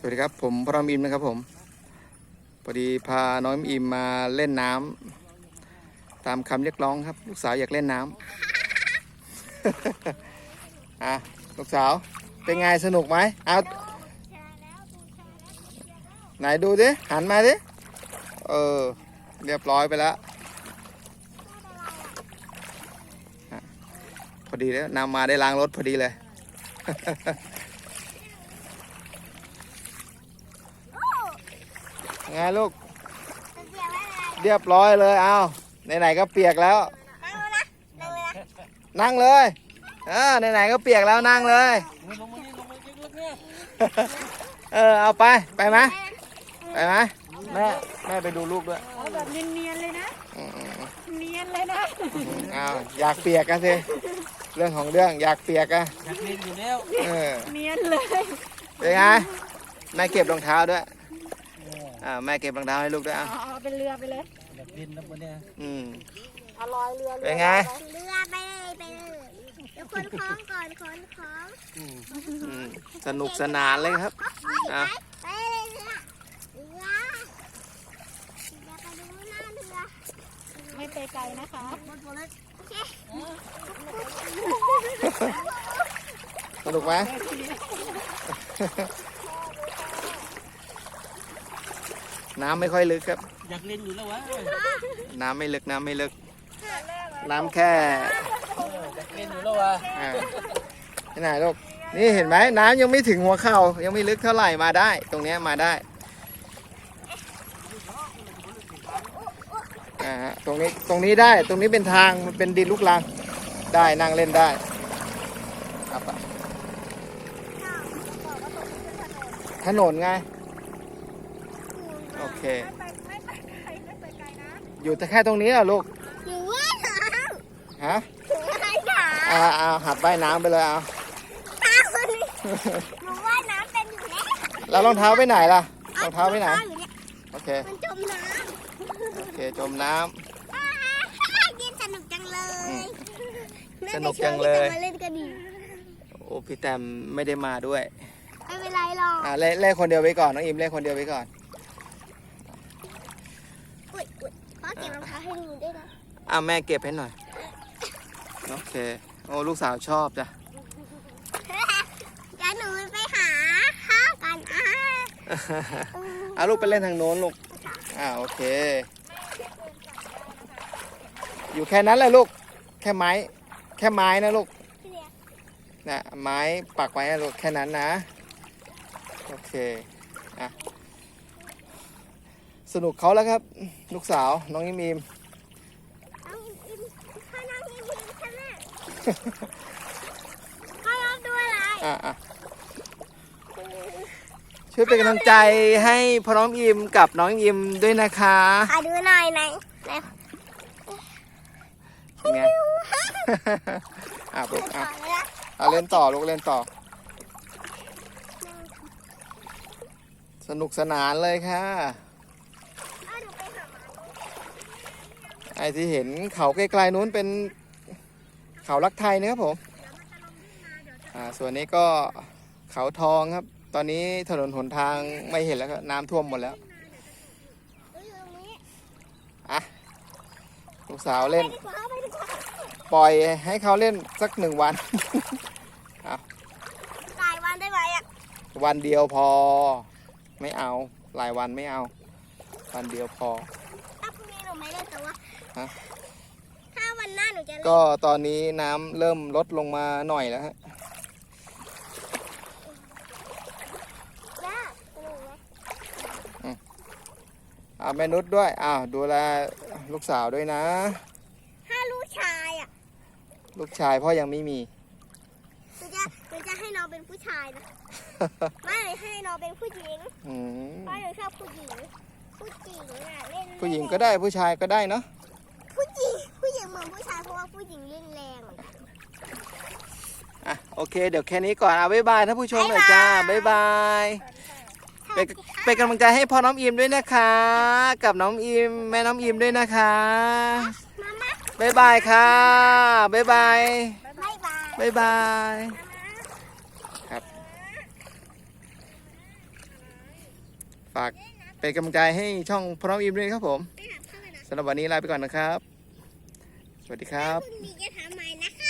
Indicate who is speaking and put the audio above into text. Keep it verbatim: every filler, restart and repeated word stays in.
Speaker 1: สวัสดีครับผมพระรามอิมนะครับผมพอดีพาน้องอิมมาเล่นน้ำตามคำเรียกร้องครับลูกสาวอยากเล่นน้ำ อ่ะลูกสาวเป็นไงสนุกไหมเอาไหนดูดิหันมาดิเออเรียบร้อยไปแล้วพอดีแล้วนำมาได้ล้างรถพอดีเลยไงลูกเรียบร้อยเลยเอาไหนๆก็เปียกแล้วนั่งเลยเออไหนๆก็เปียกแล้วนั่งเลยเออเอาไปไปไหมไปไหมแม่แม่ไปดูลูกด้วย
Speaker 2: เอาแบบเนียนๆเลยนะเนียนเลยนะ
Speaker 1: เอาอยากเปียกกันสิเรื่องของเรื่องอยากเปียกอะ
Speaker 3: อยากเล่นอยู่แล้ว
Speaker 1: เออ
Speaker 2: เนียนเลย
Speaker 1: เป็นไงแม่เก็บรองเท้าด้วยอ่าแม่เก็บรองเท้าให้ลูกด้วยอ่ะ
Speaker 2: เอาเป็นเรือไปเลย
Speaker 3: อยากเล่นนะวันนี้
Speaker 1: อืม
Speaker 2: เอาลอยเรือ
Speaker 1: เป็นไง
Speaker 4: เรือไปเลยไปเลยเดี๋ยวคนคล้องก่อนคนคล้อง
Speaker 1: สนุกสนานเลยครับอ่ะ
Speaker 4: ไปเลยเรือเรือเดี๋ยวไปดูหน้าเรือ
Speaker 2: ไม่ไปไกลนะคะ
Speaker 1: สนุกไหมน้ำไม่ค่อยลึกครับ
Speaker 3: อยากเล่นอยู่แล้ววะ
Speaker 1: น้ำไม่ลึกน้ำไม่ลึกน้ำแค่
Speaker 3: อยากเล่นอยู่แล้ววะ
Speaker 1: นี่ไหนลูกนี่เห็นไหมน้ำยังไม่ถึงหัวเข่ายังไม่ลึกเท่าไหร่มาได้ตรงนี้มาได้อ่าตรงนี้ตรงนี้ได้ตรงนี้เป็นทางมันเป็นดินลูกรังได้นั่งเล่นได้ครับถนนไงโอเคอยู่แต่แค่ตรงนี้เหรอลูก
Speaker 4: อยู่ว่ายน้
Speaker 1: ำฮะ
Speaker 4: อยู่ว่ายน้ำ
Speaker 1: อ่าเอาหัดว่ายน้ำไปเลยเอา
Speaker 4: ตาคนนี้หนูว่ายน้ำเป็นอยู่แล้ว
Speaker 1: แล้วรองเท้าไปไหนล่ะรองเท้าไปไหนโอเค
Speaker 4: มันจมน้
Speaker 1: ำโอเคจมน้
Speaker 4: ำยินสนุกจังเลย
Speaker 1: สนุกจังเลย
Speaker 4: มาเล่นกันดี
Speaker 1: โอ้พี่แตมไม่ได้มาด้วย
Speaker 4: ไม่เป็นไรหรอก
Speaker 1: อ่าเล่นเล่นคนเดียวไว้ก่อนน้องอิมเล่นคนเดียวไว้ก่อน
Speaker 4: อุ้ยอุ้ยพ่อเก็บรองเท้าให้หนูด้วยนะ
Speaker 1: อ่าแม่เก็บให้หน่อยโอเคโอ้ลูกสาวชอบจ้ะ
Speaker 4: เดี๋ยวหนูไปหาข้าวกันอ่ะ
Speaker 1: อ่าลูกไปเล่นทางโน้นลูกอ่าโอเคอยู่แค่นั้นแหละลูกแค่ไม้แค่ไม้นะลูกนะไม้ปักไว้นะลูกแค่นั้นนะโอเคอ่ะสนุกเขาแล้วครับลูกสาวน้องอิมอิม
Speaker 4: น้องอิมอิมพ่อน้องอิมอิมใช่ไหมพ่อรับด้วยอะไร
Speaker 1: อ่ะอ่ะช่วยเป็นกำลังใจให้พ่อน้องอิมกับน้องอิมด้วยนะคะ
Speaker 4: ขอดูหน่อยไหนไหน
Speaker 1: ไงอ่ะลูกอ่ะเอาเล่นต่อลูกเล่นต่อสนุกสนานเลยค่ะไอ้ที่เห็นเขาไกลๆนู้นเป็นเขาลักไทยนะครับผมอ่าส่วนนี้ก็เขาทองครับตอนนี้ถนนหนทางไม่เห็นแล้วครับน้ำท่วมหมดแล้วอ่ะลูกสาวเล่นปล่อยให้เขาเล่นสักหนึ่งวัน
Speaker 4: หลายวันได้ไหมอ่ะ
Speaker 1: วันเดียวพอไม่เอาหลายวันไม่เอาวันเดียวพอ
Speaker 4: ถ้าพรุ่งนี้หนูไม่เล่นแต่ว่า
Speaker 1: ฮะ
Speaker 4: ถ้าวันหน้าหนูจะเล่น
Speaker 1: ก็ตอนนี้น้ำเริ่มลดลงมาหน่อยแล้วฮะอ่าแม่นุชด้วยอ้าวดูแลลูกสาวด้วยนะ
Speaker 4: ถ้าลูกชายอ่ะ
Speaker 1: ลูกชายพ่อยังไม่มี
Speaker 4: หนูจะหนูจะให้น้องเป็นผู้ชายนะไม่ให้น้องเป็นผู้หญิงเพราะหนูชอบผู้หญิงผู้หญิงอ่ะเล่น
Speaker 1: ผู้หญิงก็ได้ผู้ชายก็ได้เนาะ
Speaker 4: ผู้หญิงผู้หญิงเหมือนผู้ชายเพราะว่าผู้หญิงเล่นแรง
Speaker 1: อ่ะโอเคเดี๋ยวแค่นี้ก่อนเอาบ๊ายบายท่านผู้ชมหน่อยจ้าบ๊ายบายเป็นเป็นกำลังใจให้พ่อน้องอิมด้วยนะคะกับน้องอิมแม่น้องอิมด้วยนะคะบ๊ายบายค่ะบ๊ายบายบ๊ายบายครับฝากเป็นกำลังใจให้ช่องพ่อน้องอิมด้วยครับผม
Speaker 4: ไปหาพ่อกันนะ
Speaker 1: สำหรับวันนี้ลาไปก่อนนะครับ สวัสดีครับ
Speaker 4: พรุ่งนี้จะทำใหม่นะคะ